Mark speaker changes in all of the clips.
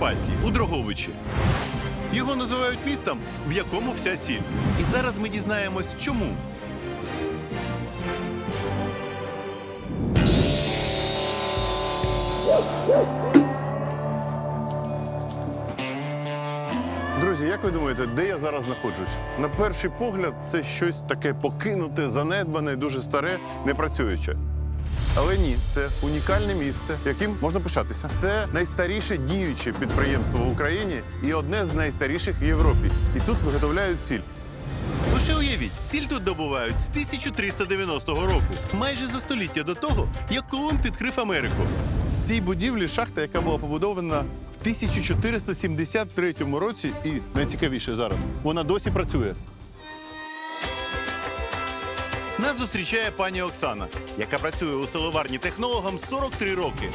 Speaker 1: Прикарпатті, у Дрогобичі. Його називають містом, в якому вся сіль. І зараз ми дізнаємось, чому. Друзі, як ви думаєте, де я зараз знаходжусь? На перший погляд, це щось таке покинуте, занедбане, дуже старе, непрацююче. Але ні, це унікальне місце, яким можна пишатися. Це найстаріше діюче підприємство в Україні і одне з найстаріших в Європі. І тут виготовляють сіль. Лише уявіть, сіль тут добувають з 1390 року, майже за століття до того, як Колумб відкрив Америку. В цій будівлі шахта, яка була побудована в 1473 році, і найцікавіше зараз, вона досі працює. Нас зустрічає пані Оксана, яка працює у селоварні технологом 43 роки.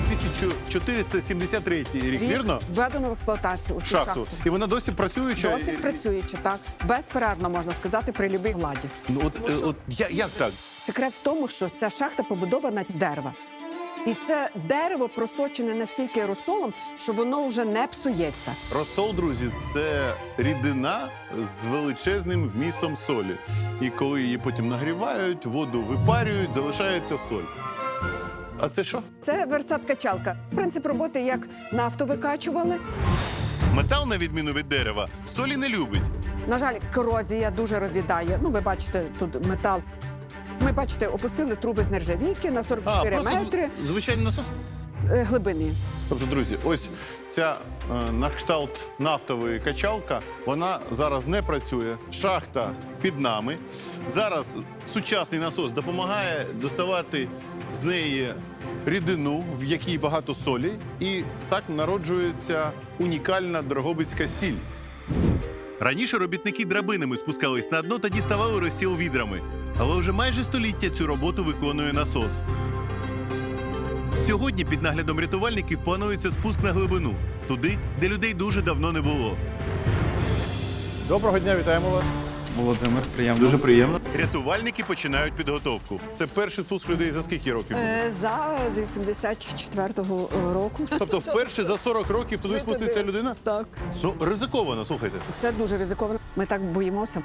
Speaker 1: 1473 рік, вірно?
Speaker 2: Введено в експлуатацію у цю шахту.
Speaker 1: І вона досі працююча?
Speaker 2: Досі працююча, так. Безперервно, можна сказати, при любій владі.
Speaker 1: Ну, як так?
Speaker 2: Секрет в тому, що ця шахта побудована з дерева. І це дерево просочене настільки розсолом, що воно вже не псується.
Speaker 1: Розсол, друзі, це рідина з величезним вмістом солі. І коли її потім нагрівають, воду випарюють, залишається соль. А це що?
Speaker 2: Це версат-качалка. Принцип роботи як нафту викачували.
Speaker 1: Метал, на відміну від дерева, солі не любить.
Speaker 2: На жаль, корозія дуже роз'їдає. Ну, ви бачите, тут метал. Ми, бачите, опустили труби з нержавійки на 44 метри
Speaker 1: звичайний насос?
Speaker 2: Глибини.
Speaker 1: Тобто, друзі, ось ця на кшталт нафтової качалка, вона зараз не працює. Шахта під нами. Зараз сучасний насос допомагає доставати з неї рідину, в якій багато солі. І так народжується унікальна дрогобицька сіль. Раніше робітники драбинами спускались на дно та діставали розсіл відрами. Але вже майже століття цю роботу виконує насос. Сьогодні під наглядом рятувальників планується спуск на глибину. Туди, де людей дуже давно не було. Доброго дня, вітаємо вас.
Speaker 3: Володимир, приємно.
Speaker 1: Дуже приємно. Рятувальники починають підготовку. Це перший спуск людей за скільки років?
Speaker 2: З 84-го року.
Speaker 1: Тобто вперше за 40 років туди спуститься людина?
Speaker 2: Так.
Speaker 1: Ну, ризиковано, слухайте.
Speaker 2: Це дуже ризиковано. Ми так боїмося.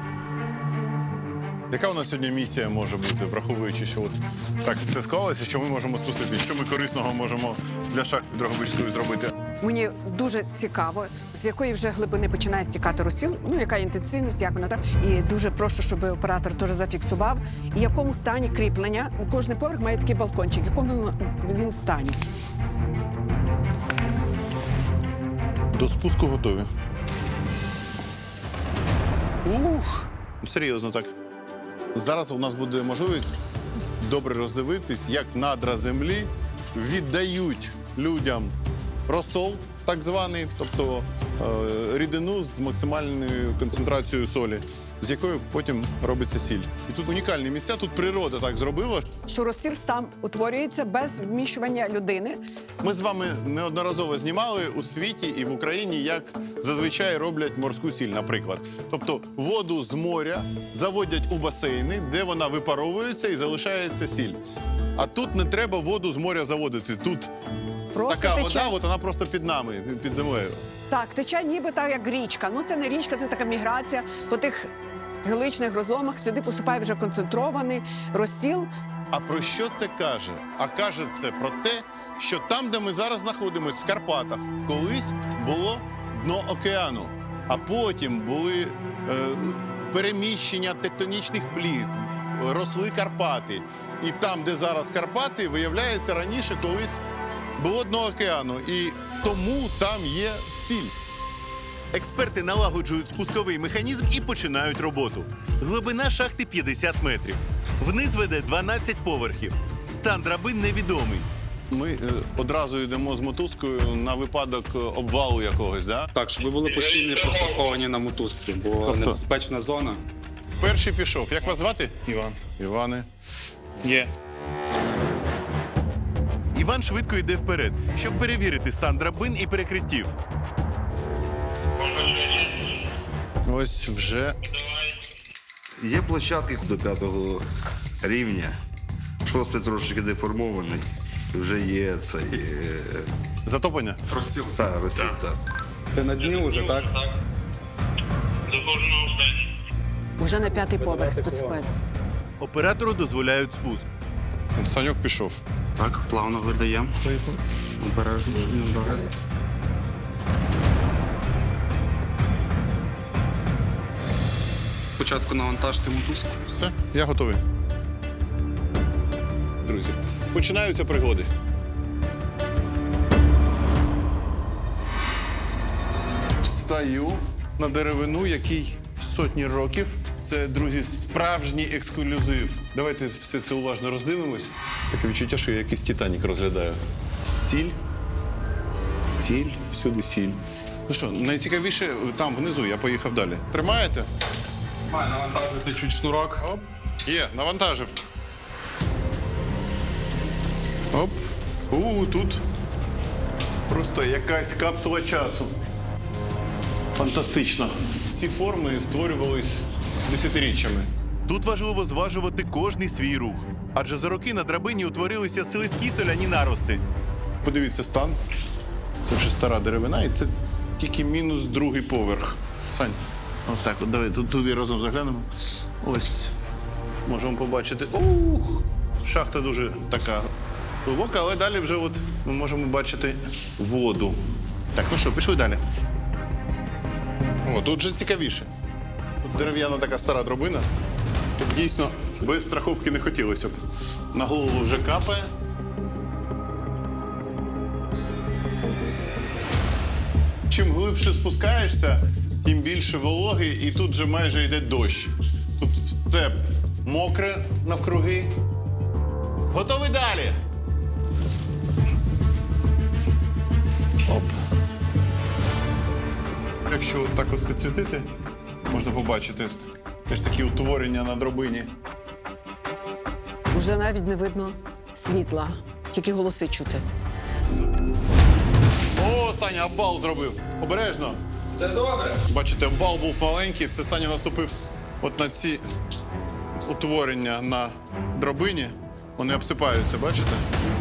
Speaker 1: Яка у нас сьогодні місія може бути, враховуючи, що от так все склалося, що ми можемо спустити? Що ми корисного можемо для шахти Дрогобицької зробити?
Speaker 2: Мені дуже цікаво, з якої вже глибини починає стікати розсіл, ну, яка інтенсивність, як вона так. І дуже прошу, щоб оператор теж зафіксував, і в якому стані кріплення. Кожний поверх має такий балкончик, в якому він стані.
Speaker 1: До спуску готові. Ух! Серйозно так. Зараз у нас буде можливість добре роздивитись, як надра землі віддають людям розсол, так званий, тобто рідину з максимальною концентрацією солі, з якою потім робиться сіль. І тут унікальні місця, тут природа так зробила.
Speaker 2: Що розсіл сам утворюється без вміщування людини.
Speaker 1: Ми з вами неодноразово знімали у світі і в Україні, як зазвичай роблять морську сіль, наприклад. Тобто воду з моря заводять у басейни, де вона випаровується і залишається сіль. А тут не треба воду з моря заводити. Тут
Speaker 2: Просто
Speaker 1: така
Speaker 2: тече.
Speaker 1: вода, от вона просто під нами, під землею.
Speaker 2: Так, тече ніби так, як річка. Ну, це не річка, це така міграція. По тих геличних розломах сюди поступає вже концентрований розсіл.
Speaker 1: А про що це каже? А каже це про те, що там, де ми зараз знаходимося, в Карпатах, колись було дно океану, а потім були переміщення тектонічних плит, росли Карпати. І там, де зараз Карпати, виявляється, раніше колись було дно океану. І тому там є сіль. Експерти налагоджують спусковий механізм і починають роботу. Глибина шахти 50 метрів. Вниз веде 12 поверхів. Стан драбин невідомий. Ми одразу йдемо з мотузкою на випадок обвалу якогось, да?
Speaker 3: Так, щоб ви були постійно прослуховані на мотузці, бо небезпечна зона.
Speaker 1: Перший пішов. Як вас звати?
Speaker 4: Іван.
Speaker 1: Іване.
Speaker 4: Є.
Speaker 1: Іван швидко йде вперед, щоб перевірити стан драбин і перекриттів. Ось вже.
Speaker 5: Є площадки до 5-го рівня. 6-й трошки деформований.
Speaker 4: Вже є цей
Speaker 1: Затоплення?
Speaker 3: Розсіл.
Speaker 4: розсіл, так.
Speaker 3: Ти на дні вже, так?
Speaker 2: Уже на 5-й поверх спускається.
Speaker 5: Оператору дозволяють спуск.
Speaker 1: От Саньок пішов.
Speaker 3: Так, плавно видаємо. Обережно. Добре. Спочатку навантажте мотузку.
Speaker 1: Все, я готовий. Друзі, починаються пригоди. Встаю на деревину, який сотні років. Це, друзі, справжній ексклюзив. Давайте все це уважно роздивимось. Таке відчуття, що я якийсь Титанік розглядаю. Сіль. Сіль, всюди сіль. Ну що, найцікавіше там внизу, я поїхав далі. Тримаєте?
Speaker 3: Має навантажити чуть шнурок.
Speaker 1: Оп. Є, навантажив. Оп. Тут просто якась капсула часу. Фантастично. Ці форми створювались десятиріччями.
Speaker 5: Тут важливо зважувати кожний свій рух, адже за роки на драбині утворилися слизькі соляні нарости.
Speaker 1: Подивіться стан. Це вже стара деревина, і це тільки мінус другий поверх. Сань, отак, от давай туди разом заглянемо. Ось. Можемо побачити. Шахта дуже така глибока, але далі вже от ми можемо бачити воду. Так, ну що, пішли далі. О, тут вже цікавіше. Тут дерев'яна така стара драбина. Тут дійсно без страховки не хотілося б. На голову вже капає. Чим глибше спускаєшся, тим більше вологи, і тут вже майже йде дощ. Тут все мокре навкруги. Готовий далі? Оп. Якщо так от підсвітити, можна побачити теж такі утворення на драбині.
Speaker 2: Уже навіть не видно світла, тільки голоси чути.
Speaker 1: О, Саня обвал зробив. Обережно.
Speaker 3: Це добре.
Speaker 1: Бачите, обвал був маленький. Це Саня наступив от на ці утворення на драбині. Вони обсипаються, бачите?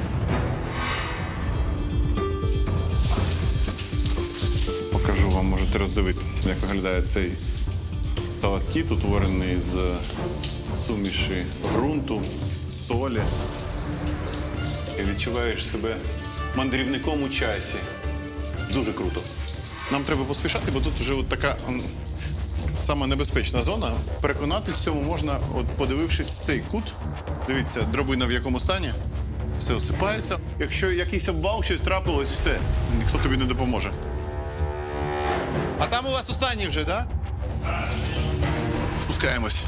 Speaker 1: Покажу вам, можете роздивитися, як виглядає цей сталактит, утворений з суміші ґрунту, солі. І відчуваєш себе мандрівником у часі. Дуже круто. Нам треба поспішати, бо тут вже от така сама небезпечна зона. Переконатись в цьому можна, от подивившись цей кут. Дивіться, драбина в якому стані. Все осипається. Якщо якийсь обвал, щось трапилось, все. Ніхто тобі не допоможе. А там у вас останній вже, так? Да? Спускаємось.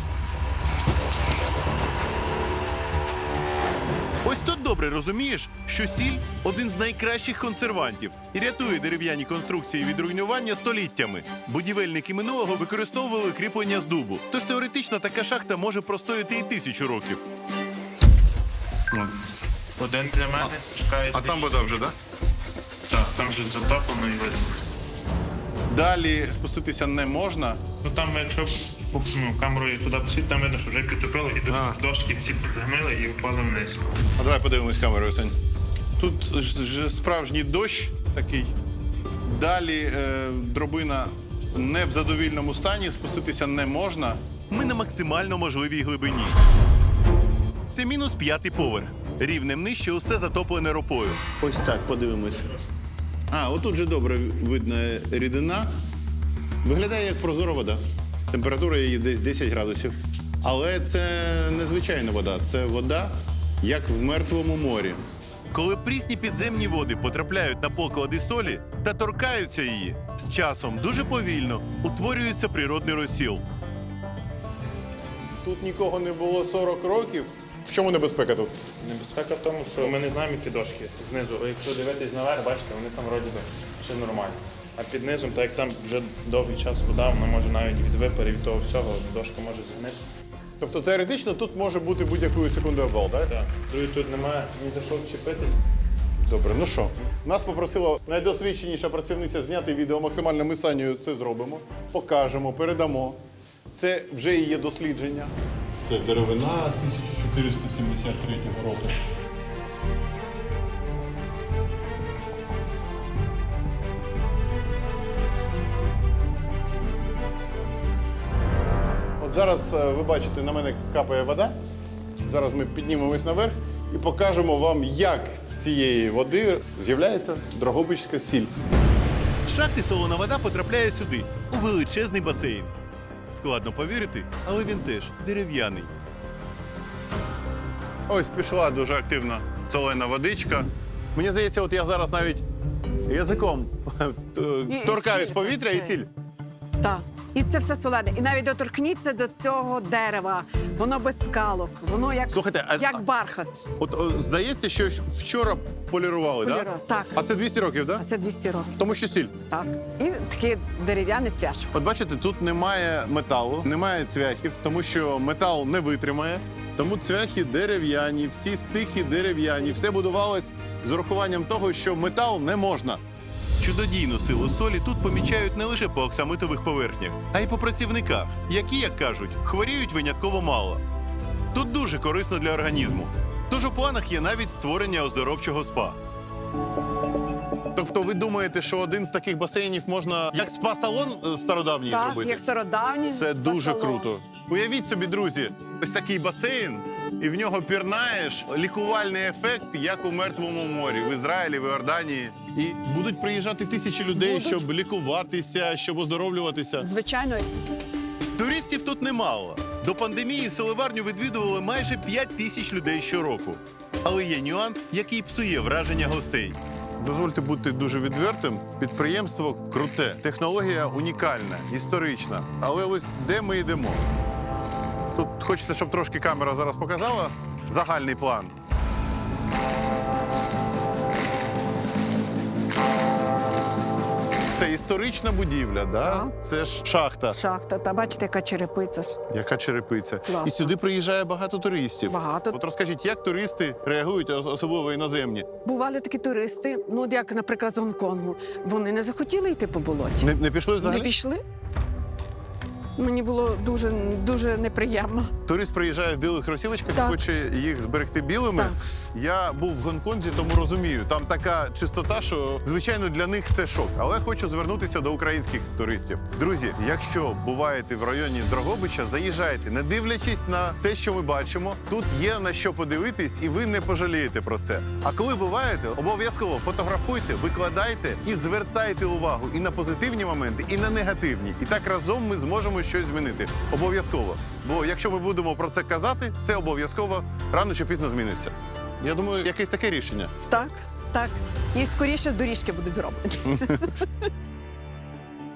Speaker 5: Ось тут добре розумієш, що сіль – один з найкращих консервантів і рятує дерев'яні конструкції від руйнування століттями. Будівельники минулого використовували кріплення з дубу. Тож теоретично така шахта може простояти і 1000 років.
Speaker 6: Один для мене, чекають.
Speaker 1: А там вода вже, так? Да?
Speaker 6: Так, там вже затоплено і видно.
Speaker 1: Далі спуститися не можна.
Speaker 6: Ну там, якщо камерою туди посвіт, там видно, що вже підтопило, і тут дошки всі підгнили і впали вниз.
Speaker 1: А давай подивимось камерою, Сань. Тут ж справжній дощ такий. Далі драбина не в задовільному стані, спуститися не можна.
Speaker 5: Ми на максимально можливій глибині. Це мінус 5-й поверх. Рівнем нижче усе затоплене ропою.
Speaker 1: Ось так, подивимось. Отут же добре видна рідина. Виглядає як прозора вода. Температура її десь 10 градусів. Але це не звичайна вода, це вода, як в Мертвому морі.
Speaker 5: Коли прісні підземні води потрапляють на поклади солі та торкаються її, з часом дуже повільно утворюється природний розсіл.
Speaker 1: Тут нікого не було 40 років. В чому небезпека тут?
Speaker 6: Небезпека в тому, що ми не знаємо, які дошки знизу. Якщо дивитись наверх, бачите, вони там вроді би все нормально. А під низом, так як там вже довгий час вода, вона може навіть від випарів від того всього, дошка може згнити.
Speaker 1: Тобто теоретично тут може бути будь-якої секунди обвал, так?
Speaker 6: Так. Тут немає ні за що вчепитись.
Speaker 1: Добре, ну що? Нас попросила найдосвідченіша працівниця зняти відео. Максимально ми з Санєю це зробимо, покажемо, передамо. Це вже і є дослідження. Це деревина 1473 року. От зараз ви бачите, на мене капає вода. Зараз ми піднімемось наверх і покажемо вам, як з цієї води з'являється дрогобичська сіль.
Speaker 5: З шахти солона вода потрапляє сюди, у величезний басейн. Складно повірити, але він теж дерев'яний.
Speaker 1: Ось пішла дуже активно солена водичка. Мені здається, от я зараз навіть язиком торкаюсь
Speaker 2: сіль,
Speaker 1: повітря і сіль.
Speaker 2: Так. І це все солене. І навіть доторкніться до цього дерева. Воно без скалок, воно як,
Speaker 1: Слухайте,
Speaker 2: як бархат.
Speaker 1: От здається, що вчора полірували, так?
Speaker 2: Полірували, так.
Speaker 1: А це 200 років, так?
Speaker 2: А це 200 років.
Speaker 1: Тому що сіль.
Speaker 2: Так. І такий дерев'яний цвяш.
Speaker 1: От бачите, тут немає металу, немає цвяхів, тому що метал не витримає. Тому цвяхи дерев'яні, всі стихи дерев'яні. Все будувалось з урахуванням того, що метал не можна.
Speaker 5: Чудодійну силу солі тут помічають не лише по оксамитових поверхнях, а й по працівниках, які, як кажуть, хворіють винятково мало. Тут дуже корисно для організму. Тож у планах є навіть створення оздоровчого спа.
Speaker 1: Тобто ви думаєте, що один з таких басейнів можна як спа-салон стародавній
Speaker 2: Так,
Speaker 1: зробити?
Speaker 2: як стародавній.
Speaker 1: Це дуже
Speaker 2: спа-салон.
Speaker 1: круто. Уявіть собі, друзі, ось такий басейн, і в нього пірнаєш, лікувальний ефект, як у Мертвому морі, в Ізраїлі, в Іорданії. І будуть приїжджати тисячі людей,
Speaker 2: Будуть.
Speaker 1: щоб лікуватися, щоб оздоровлюватися.
Speaker 2: Звичайно.
Speaker 5: Туристів тут немало. До пандемії селеварню відвідували майже 5 тисяч людей щороку. Але є нюанс, який псує враження гостей.
Speaker 1: Дозвольте бути дуже відвертим. Підприємство круте, технологія унікальна, історична. Але ось де ми йдемо? Тут хочеться, щоб трошки камера зараз показала загальний план. Це історична будівля, да?
Speaker 2: Так.
Speaker 1: Це ж шахта.
Speaker 2: Шахта. Та бачите, яка черепиця.
Speaker 1: Яка черепиця.
Speaker 2: Класно.
Speaker 1: І сюди приїжджає багато туристів.
Speaker 2: Багато.
Speaker 1: От розкажіть, як туристи реагують, особливо іноземні?
Speaker 2: Бували такі туристи, ну от як, наприклад, з Гонконгу. Вони не захотіли йти по болоті.
Speaker 1: Не пішли взагалі?
Speaker 2: Не пішли. Мені було дуже неприємно.
Speaker 1: Турист приїжджає в білих кросівочках,
Speaker 2: Так.
Speaker 1: хоче їх зберегти білими.
Speaker 2: Так.
Speaker 1: Я був в Гонконзі, тому розумію. Там така чистота, що, звичайно, для них це шок. Але хочу звернутися до українських туристів. Друзі, якщо буваєте в районі Дрогобича, заїжджайте, не дивлячись на те, що ми бачимо. Тут є на що подивитись, і ви не пожалієте про це. А коли буваєте, обов'язково фотографуйте, викладайте і звертайте увагу і на позитивні моменти, і на негативні. І так разом ми зможемо щось змінити. Обов'язково. Бо якщо ми будемо про це казати, це обов'язково рано чи пізно зміниться. Я думаю, якесь таке рішення.
Speaker 2: Так, так. І скоріше з доріжки будуть зроблені.